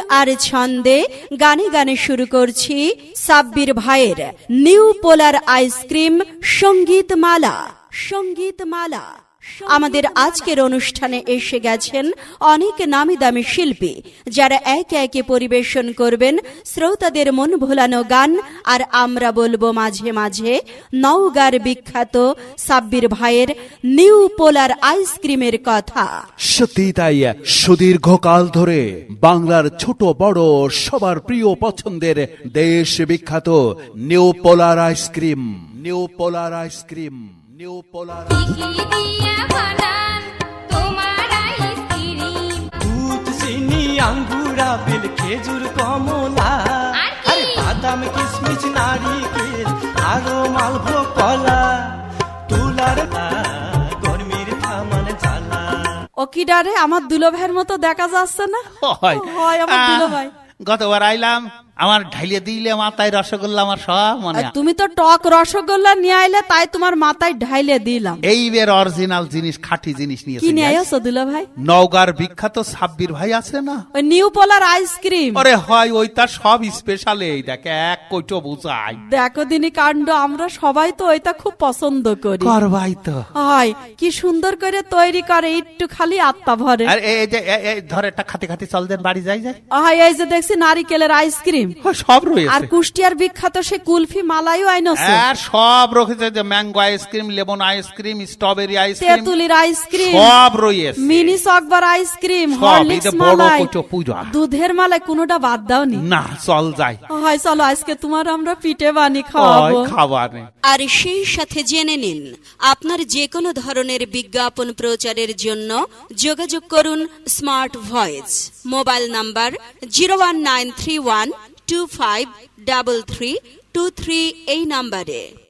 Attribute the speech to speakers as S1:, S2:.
S1: আর ছন্দে গানে গানে শুরু করছি সাব্বির ভাইয়ের নিউ পোলার আইসক্রিম সঙ্গীতমালা। সঙ্গীতমালা আমাদের আজকের অনুষ্ঠানে এসে গেছেন অনেক নামি দামি শিল্পী, যারা একে একে পরিবেশন করবেন শ্রোতাদের মন ভোলানো গান। আর আমরা বলবো মাঝে মাঝে নওগাঁর বিখ্যাত সাব্বির ভাইয়ের নিউ পোলার আইসক্রিমের কথা।
S2: সত্যি তাই, সুদীর্ঘকাল ধরে বাংলার ছোট বড় সবার প্রিয় পছন্দের দেশ বিখ্যাত New Polar ice cream. New Polar ice cream, New Polar
S3: দুধ, চিনি, আঙ্গুর, আপেল, খেজুর, কমলা, আর বাদাম, কিশমিশ, নারিকেল, আরো মালভোগ কলা, তুলার গরমির থামান জ্বালা।
S1: ও কি ডারে, আমার দুলো ভাইয়ের মতো দেখা যাচ্ছে না? হয় আমার দুলো ভাই।
S4: গতবার আইলাম, আমার ঢাইলে দিলে মাথায় রসগোল্লা, আমার সব মনে।
S1: তুমি তো টক রসগোল্লা নিয়ে আইলে, তাই তোমার মাথায় ঢাইলে দিলাম।
S4: এইবার অরিজিনাল জিনিস, খাঁটি জিনিস নিয়ে
S1: কি নিয়ে আইছো দুলো ভাই?
S4: নওগাঁর বিখ্যাত সাব্বির ভাই আছে না,
S1: ওই নিউ পোলার আইসক্রিম।
S4: আরে হয় ওই তার সব স্পেশাল। এই দেখে এক কইটো বুঝাই,
S1: দেখো দিনী কাণ্ড, আমরা সবাই তো ওইটা খুব পছন্দ করি।
S4: করবাই তো
S1: হয় কি সুন্দর করে তৈরি করে, একটু খালি আত্মা ভরে।
S4: আর এই যে ধরে একটা খাতে খাতে চল দেন, বাড়ি যাই যায়।
S1: হয় এই যে দেখছি নারিকেলের আইসক্রিম,
S4: সব রয়েছে।
S1: আর কুষ্টিয়ার বিখ্যাত সে কুলফি মালাইও আইনছে।
S4: আর সব রয়েছে, যে mango ice cream, lemon ice cream, strawberry ice cream,
S1: তেঁতুলির আইসক্রিম,
S4: সব রয়েছে।
S1: মিনি চকবার আইসক্রিম,
S4: সব,
S1: হরলিক্স
S4: এই যে বড়
S1: মালাই,
S4: কইটো পূজা,
S1: দুধের মালাই, কোনোটা বাদ দাওনি।
S4: না চল যাই।
S1: হয় চলো, আজকে তোমার আমরা পিঠে বানি খাওয়াবো।
S4: খাবার
S1: আর সেই সাথে জেনে নিন, আপনার যে কোনো ধরনের বিজ্ঞাপন প্রচারের জন্য যোগাযোগ করুন স্মার্ট ভয়েস। মোবাইল নাম্বার 01931253323 এই নাম্বারে।